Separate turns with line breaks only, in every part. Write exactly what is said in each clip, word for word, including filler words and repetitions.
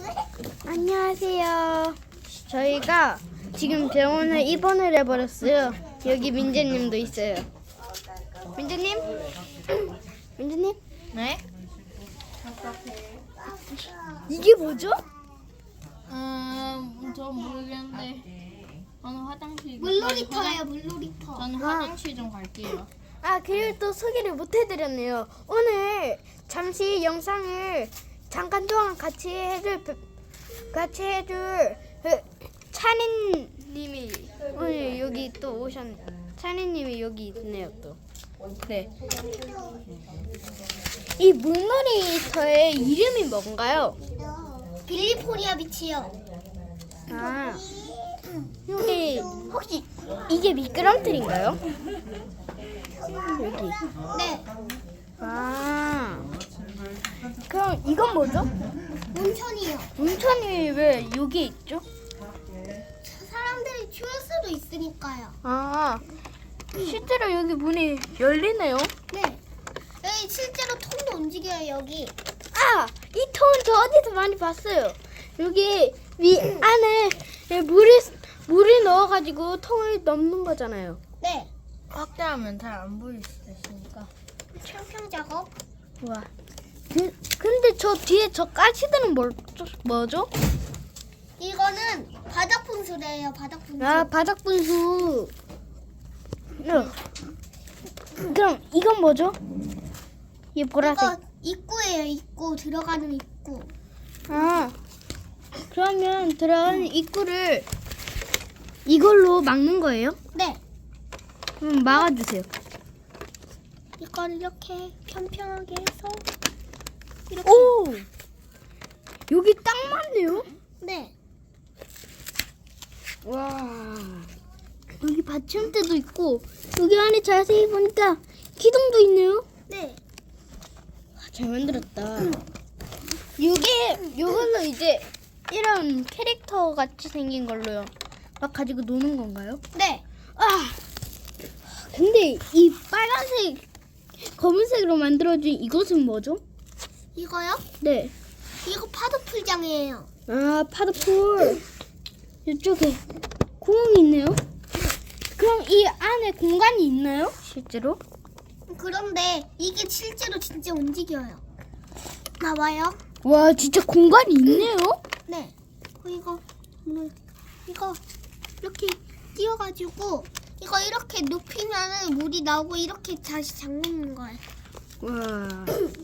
안녕하세요. 저희가 지금 병원에 입원을 해버렸어요. 여기 민재님도 있어요. 민재님? 민재님?
네?
이게 뭐죠?
음, 저 모르겠는데 저는 화장실
물놀이터예요, 물놀이터.
저는
아.
화장실 좀 갈게요.
아, 그리고 또 소개를 못 해드렸네요. 오늘 잠시 영상을 잠깐 동안 같이 해줄 같이 해줄 그 찬이님이 오늘 여기 또 오셨네. 찬이님이 여기 있네요 또. 네. 이 물놀이터의 이름이 뭔가요?
빌리포리아 비치요.
아, 여기 혹시 이게 미끄럼틀인가요? 여기.
네,
아, 그럼 이건 뭐죠?
온천이요.
온천이 왜 여기 있죠?
사람들이 추울 수도 있으니까요.
아, 실제로 여기 문이 열리네요.
네, 여기 실제로 통도 움직여요, 여기.
아, 이 통은 저 어디서 많이 봤어요. 여기 위 안에 물을 물을 넣어가지고 통을 넘는 거잖아요.
네,
확대하면 잘 안 보일 수도 있으니까.
평평 작업.
와, 그, 근데 저 뒤에 저 가시들은 뭐, 뭐죠?
이거는 바닥 분수래요, 바닥 분수.
아, 바닥 분수. 어. 그럼 이건 뭐죠? 이 보라색.
이거 입구예요, 입구. 들어가는 입구.
아, 그러면 들어가는 입구를 이걸로 막는 거예요?
네,
그럼 막아주세요.
이걸 이렇게 평평하게 해서 이렇게.
오! 여기 딱 맞네요?
네,
와. 여기 받침대도 있고, 여기 안에 자세히 보니까 기둥도 있네요?
네.
잘 만들었다. 이게, 이걸로 이제 이런 캐릭터 같이 생긴 걸로요. 막 가지고 노는 건가요?
네.
아! 근데 이 빨간색, 검은색으로 만들어진 이것은 뭐죠?
이거요?
네.
이거 파도 풀장이에요.
아, 파도풀. 이쪽에 구멍이 있네요. 그럼 이 안에 공간이 있나요? 실제로?
그런데 이게 실제로 진짜 움직여요. 나와요?
와, 진짜 공간이 있네요.
네. 어, 이거 뭐, 이거 이렇게 띄워가지고 이거 이렇게 눕히면은 물이 나오고 이렇게 다시 잠그는 거예요.
와.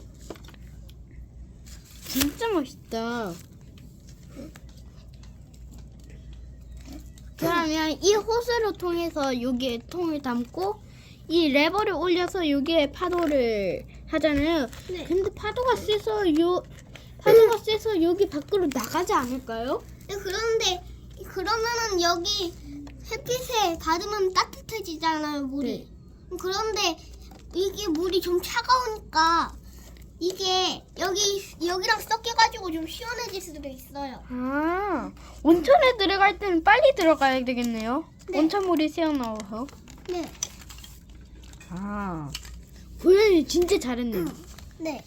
진짜 멋있다. 그러면 이 호스를 통해서 여기에 통을 담고 이 레버를 올려서 여기에 파도를 하잖아요.
네.
근데 파도가 세서 요 파도가 세서 여기 밖으로 나가지 않을까요?
네, 그런데 그러면은 여기 햇빛에 닿으면 따뜻해지잖아요, 물이. 그런데 이게 물이 좀 차가우니까 이게 여기 여기랑 섞여가지고 좀 시원해질 수도 있어요.
아, 온천에 들어갈 때는 빨리 들어가야 되겠네요.
네.
온천물이 새어나와서.
네.
아, 고양이 진짜 잘했네요.
네.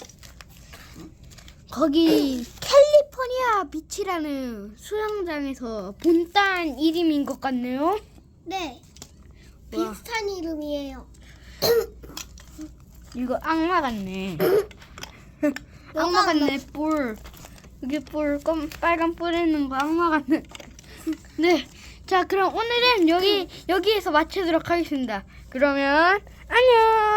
거기 캘리포니아 비치라는 수영장에서 본딴 이름인 것 같네요.
네.
와.
비슷한 이름이에요.
이거 악마 같네. 악마 같네. 뿔. 여기 뿔, 검, 빨간 뿔 있는 거 악마 같네. 네. 자, 그럼 오늘은 여기 여기에서 마치도록 하겠습니다. 그러면 안녕.